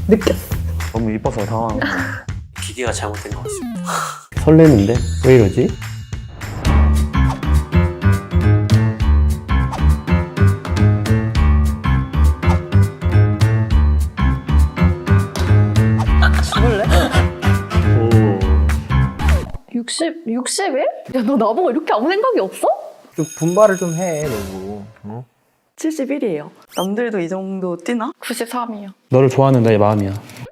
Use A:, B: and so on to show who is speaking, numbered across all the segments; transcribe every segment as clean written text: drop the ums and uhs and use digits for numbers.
A: 느꼈어.
B: 너무 이뻐서 당황한 거.
C: 기계가 잘못된 것 같습니다.
D: 설레는데? 왜 이러지?
A: 죽을래?
D: 오.
A: 61? 야, 너 나보고 이렇게 아무 생각이 없어?
B: 좀 분발을 좀 해, 너도. 어?
E: 71이에요. 남들도 이 정도 뛰나?
A: 93이요.
B: 너를 좋아하는 나의 마음이야.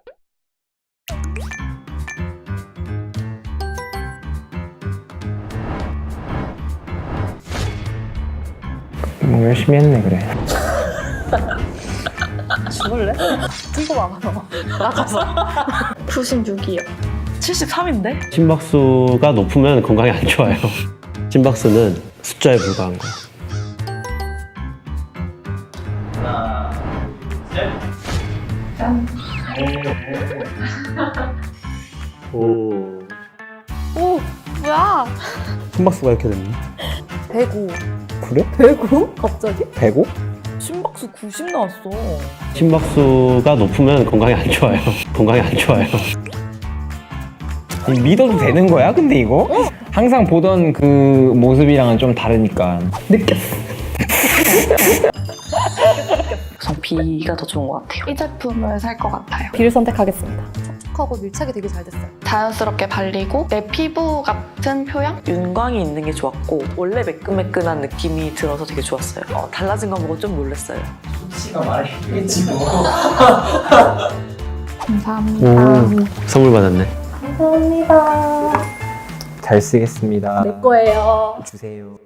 B: 뭐 열심히 했네, 그래.
A: 죽을래? 친구 와봐, 너. 나가서. 96이요.
E: 73인데?
D: 심박수가 높으면 건강에 안 좋아요. 심박수는 숫자에 불과한 거야. 오.
A: 오, 뭐야?
B: 심박수가 이렇게 됐네.
A: 105.
B: 그래?
A: 105? 갑자기?
B: 105?
E: 심박수 90 나왔어.
D: 심박수가 높으면 건강에 안 좋아요. 건강에 안 좋아요.
B: 믿어도 되는 거야, 근데 이거? 항상 보던 그 모습이랑은 좀 다르니까.
A: 느꼈어.
E: 전 B가 더 좋은 것 같아요.
F: 이 제품을 살 것 같아요.
A: B를 선택하겠습니다. 촉촉하고 밀착이 되게 잘 됐어요.
F: 자연스럽게 발리고 내 피부 같은 표양?
E: 윤광이 있는 게 좋았고 원래 매끈매끈한 느낌이 들어서 되게 좋았어요. 달라진 거 보고 좀 놀랐어요.
F: 감사합니다.
D: 선물 받았네.
A: 감사합니다.
B: 잘 쓰겠습니다.
A: 내 거예요.
B: 주세요.